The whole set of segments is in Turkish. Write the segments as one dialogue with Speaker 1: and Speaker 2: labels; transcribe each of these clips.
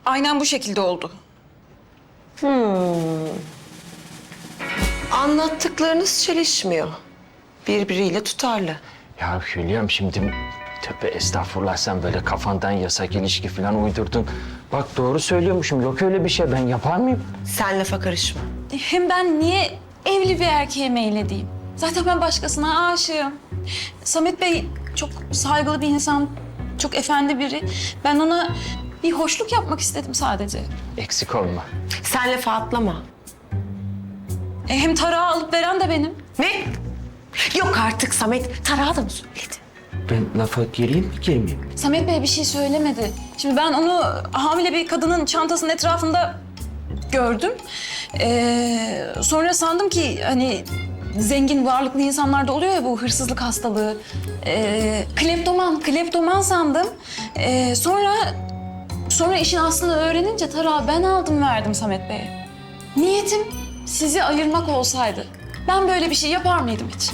Speaker 1: aynen bu şekilde oldu.
Speaker 2: Anlattıklarınız çelişmiyor. Birbiriyle tutarlı.
Speaker 3: Ya Hülya'm şimdi tövbe estağfurullah sen böyle kafandan yasak ilişki falan uydurdun. Bak doğru söylüyormuşum. Yok öyle bir şey. Ben yapar mıyım?
Speaker 2: Sen lafa karışma.
Speaker 1: Hem ben niye evli bir erkeğe meyledeyim? Zaten ben başkasına aşığım. Samet Bey çok saygılı bir insan, çok efendi biri. Ben ona bir hoşluk yapmak istedim sadece.
Speaker 3: Eksik olma.
Speaker 2: Sen lafa atlama.
Speaker 1: Hem tarağı alıp veren de benim.
Speaker 2: Ne? Yok artık Samet. Tarağı da mı söyledi?
Speaker 3: Ben lafa gireyim mi girmeyeyim mi?
Speaker 1: Samet Bey bir şey söylemedi. Şimdi ben onu hamile bir kadının çantasının etrafında gördüm. Sonra sandım ki hani zengin, varlıklı insanlarda oluyor ya bu hırsızlık hastalığı. Kleptoman sandım. Sonra işin aslını öğrenince tarağı ben aldım verdim Samet Bey'e. Niyetim sizi ayırmak olsaydı ben böyle bir şey yapar mıydım hiç?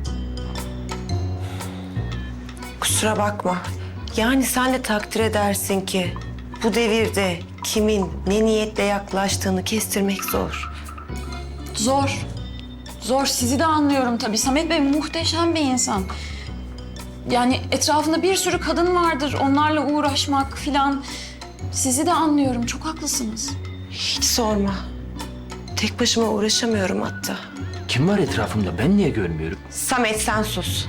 Speaker 2: Kusura bakma. Yani sen de takdir edersin ki bu devirde kimin ne niyetle yaklaştığını kestirmek zor.
Speaker 1: Zor. Zor. Sizi de anlıyorum tabii. Samet Bey muhteşem bir insan. Yani etrafında bir sürü kadın vardır. Onlarla uğraşmak filan. Sizi de anlıyorum. Çok haklısınız.
Speaker 2: Hiç sorma. Tek başıma uğraşamıyorum hatta.
Speaker 3: Kim var etrafımda? Ben niye görmüyorum?
Speaker 2: Samet sen sus.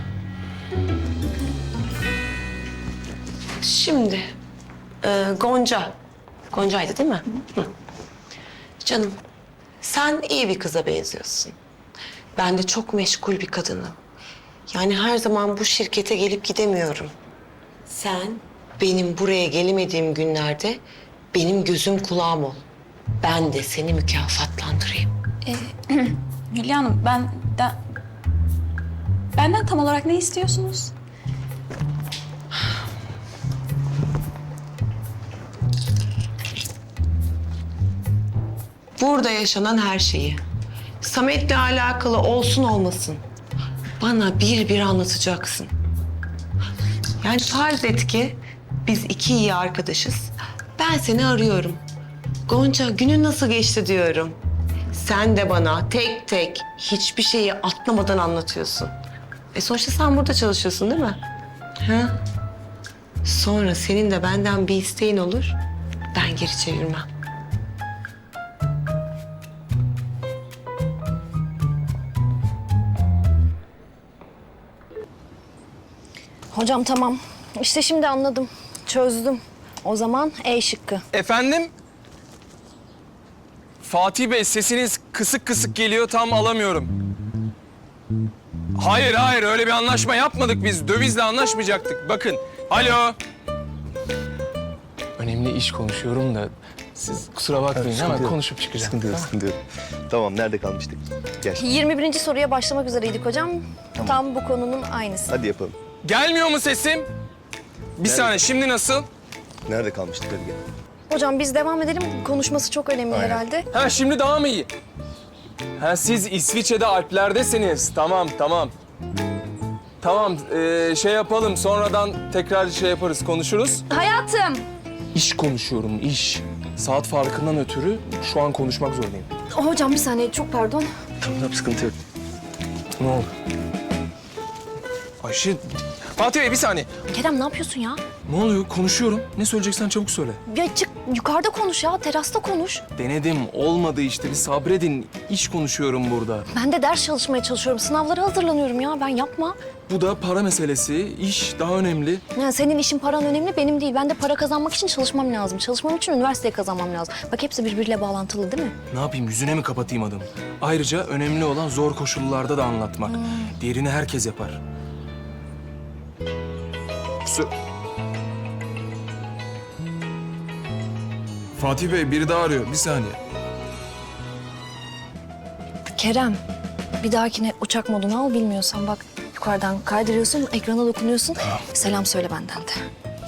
Speaker 2: Şimdi Gonca. Gonca'ydı değil mi? Hı. Canım sen iyi bir kıza benziyorsun. Ben de çok meşgul bir kadınım. Yani her zaman bu şirkete gelip gidemiyorum. Sen benim buraya gelemediğim günlerde benim gözüm kulağım ol. Ben de seni mükafatlandırayım.
Speaker 1: Hülya Hanım, benden tam olarak ne istiyorsunuz?
Speaker 2: Burada yaşanan her şeyi, Samet'le alakalı olsun olmasın, bana bir bir anlatacaksın. Yani farz et ki biz iki iyi arkadaşız. Ben seni arıyorum. Gonca günün nasıl geçti diyorum. Sen de bana tek tek hiçbir şeyi atlamadan anlatıyorsun. Sonuçta sen burada çalışıyorsun değil mi? Ha? Sonra senin de benden bir isteğin olur. Ben geri çevirmem.
Speaker 4: Hocam tamam. İşte şimdi anladım. Çözdüm. O zaman E şıkkı.
Speaker 5: Efendim? Fatih Bey sesiniz kısık kısık geliyor tam alamıyorum. Hayır öyle bir anlaşma yapmadık biz. Dövizle anlaşmayacaktık. Bakın. Alo. Önemli iş konuşuyorum da siz kusura bakmayın hemen konuşup çıkacağım.
Speaker 6: Sıkıntı yok, sıkıntı yok. Tamam, nerede kalmıştık? Gel,
Speaker 4: 21. soruya başlamak üzereydik hocam. Tam bu konunun aynısı.
Speaker 6: hadi yapalım.
Speaker 5: Gelmiyor mu sesim? Bir saniye şimdi nasıl?
Speaker 6: Nerede kalmıştık, hadi gel.
Speaker 4: Hocam biz devam edelim. Konuşması çok önemli herhalde.
Speaker 5: Ha şimdi daha mı iyi? Ha siz İsviçre'de Alplerdesiniz. Tamam. Tamam şey yapalım sonradan tekrar şey yaparız konuşuruz.
Speaker 4: Hayatım.
Speaker 5: İş konuşuyorum iş. Saat farkından ötürü şu an konuşmak zorundayım.
Speaker 4: Hocam bir saniye çok pardon.
Speaker 6: Tamam, sıkıntı yok.
Speaker 5: Ne oldu? Ayşe, Fatih Bey bir saniye.
Speaker 4: Kerem ne yapıyorsun ya?
Speaker 5: Ne oluyor? Konuşuyorum. Ne söyleyeceksen çabuk söyle.
Speaker 4: Ya çık yukarıda konuş ya. Terasta konuş.
Speaker 5: Denedim. Olmadı işte. Bir sabredin. İş konuşuyorum burada.
Speaker 4: Ben de ders çalışmaya çalışıyorum. Sınavlara hazırlanıyorum ya. Ben yapma.
Speaker 5: Bu da para meselesi. İş daha önemli.
Speaker 4: Ya senin işin paran önemli benim değil. Ben de para kazanmak için çalışmam lazım. Çalışmam için üniversiteye kazanmam lazım. Bak hepsi birbiriyle bağlantılı değil mi?
Speaker 5: Ne yapayım? Yüzüne mi kapatayım adamı? Ayrıca önemli olan zor koşullarda da anlatmak. Diğerini herkes yapar. Fatih Bey biri daha arıyor. Bir saniye.
Speaker 4: Kerem, bir dahakine uçak modunu al bilmiyorsan bak yukarıdan kaydırıyorsun, ekrana dokunuyorsun. Selam söyle benden de.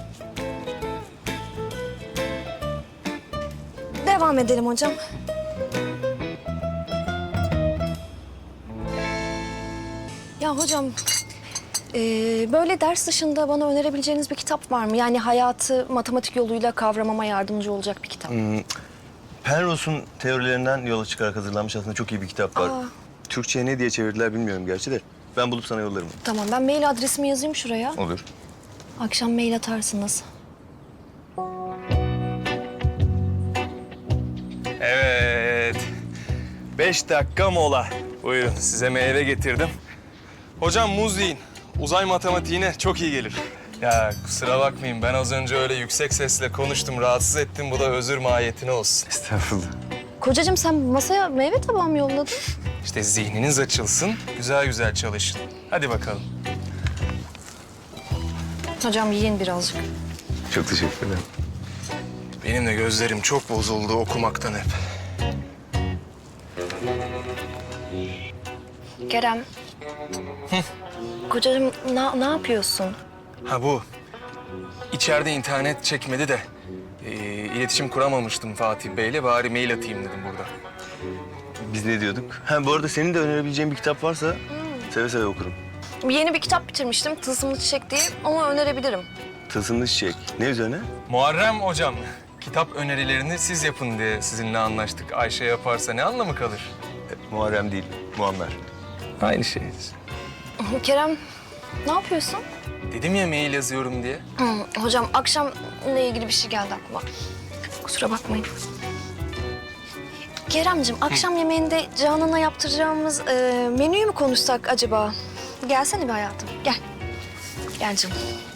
Speaker 4: Devam edelim hocam. Ya hocam Böyle ders dışında bana önerebileceğiniz bir kitap var mı? Yani hayatı matematik yoluyla kavramama yardımcı olacak bir kitap.
Speaker 6: Penrose'un teorilerinden yola çıkarak hazırlanmış aslında çok iyi bir kitap var.
Speaker 4: Aa.
Speaker 6: Türkçe'ye ne diye çevirdiler bilmiyorum gerçi de. Ben bulup sana yollarım.
Speaker 4: Tamam, ben mail adresimi yazayım şuraya.
Speaker 6: Olur.
Speaker 4: Akşam mail atarsınız.
Speaker 5: Evet. 5 dakika mola. Buyurun size meyve getirdim. Hocam muz yiyin. Uzay matematiğine çok iyi gelir. Ya kusura bakmayın ben az önce öyle yüksek sesle konuştum, rahatsız ettim. Bu da özür mahiyetine olsun.
Speaker 6: Estağfurullah.
Speaker 4: Kocacığım sen masaya meyve tabağı mı yolladın?
Speaker 5: İşte zihniniz açılsın, güzel güzel çalışın. Hadi bakalım.
Speaker 4: Hocam yiyin birazcık.
Speaker 6: Çok teşekkür ederim.
Speaker 5: Benim de gözlerim çok bozuldu okumaktan hep.
Speaker 4: Kerem. Kocacığım ne yapıyorsun?
Speaker 5: Ha bu. İçeride internet çekmedi de iletişim kuramamıştım Fatih Bey'le. Bari mail atayım dedim burada.
Speaker 6: Biz ne diyorduk? Ha bu arada senin de önerebileceğin bir kitap varsa seve seve okurum.
Speaker 4: Yeni bir kitap bitirmiştim, Tılsımlı Çiçek diye, ama önerebilirim.
Speaker 6: Tılsımlı Çiçek. Ne üzerine?
Speaker 5: Muharrem hocam, kitap önerilerini siz yapın diye sizinle anlaştık. Ayşe yaparsa ne anlamı kalır?
Speaker 6: Muharrem değil, Muammer.
Speaker 5: Aynı şey.
Speaker 4: Kerem, ne yapıyorsun?
Speaker 5: Dedim ya mail yazıyorum diye.
Speaker 4: Hocam akşamla ilgili bir şey geldi aklıma. Kusura bakmayın. Keremciğim, akşam yemeğinde Canan'a yaptıracağımız menüyü mü konuşsak acaba? Gelsene bir hayatım, gel. Gel canım.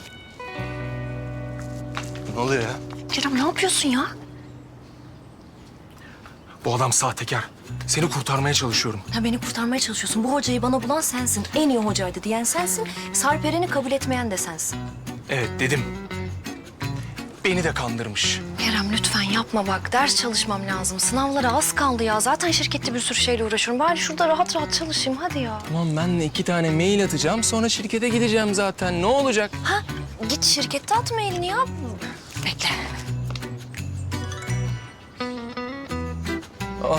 Speaker 5: Ne oluyor ya?
Speaker 4: Kerem ne yapıyorsun ya?
Speaker 5: Bu adam sahtekar. Seni kurtarmaya çalışıyorum.
Speaker 4: Ha, beni kurtarmaya çalışıyorsun. Bu hocayı bana bulan sensin. En iyi hocaydı diyen sensin. Sarperen'i kabul etmeyen de sensin.
Speaker 5: Evet dedim. Beni de kandırmış.
Speaker 4: Kerem lütfen yapma bak. Ders çalışmam lazım. Sınavlara az kaldı ya. Zaten şirkette bir sürü şeyle uğraşıyorum. Bari şurada rahat rahat çalışayım hadi ya.
Speaker 5: Tamam ben de 2 tane mail atacağım. Sonra şirkete gideceğim zaten. Ne olacak?
Speaker 4: Ha git şirkette at mailini ya. Bekle.
Speaker 5: Aa,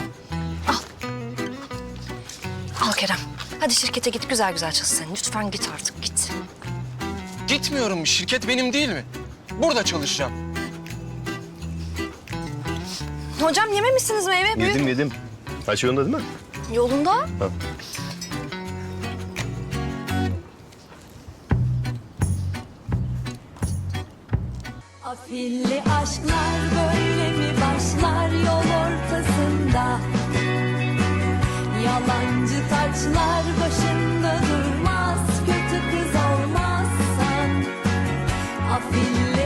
Speaker 4: Al Kerem. Hadi şirkete git güzel güzel çalış sen. Lütfen git artık git.
Speaker 5: gitmiyorum. Şirket benim değil mi? Burada çalışacağım.
Speaker 4: Hocam yememişsiniz meyve. Büyük.
Speaker 6: Yedim. Her şey yolunda değil mi?
Speaker 4: Yolunda.
Speaker 6: Ha.
Speaker 7: Afilli aşklar böyle mi başlar yol ortasında? Yalancı taçlar başında durmaz, kötü kız olmazsan. Afilli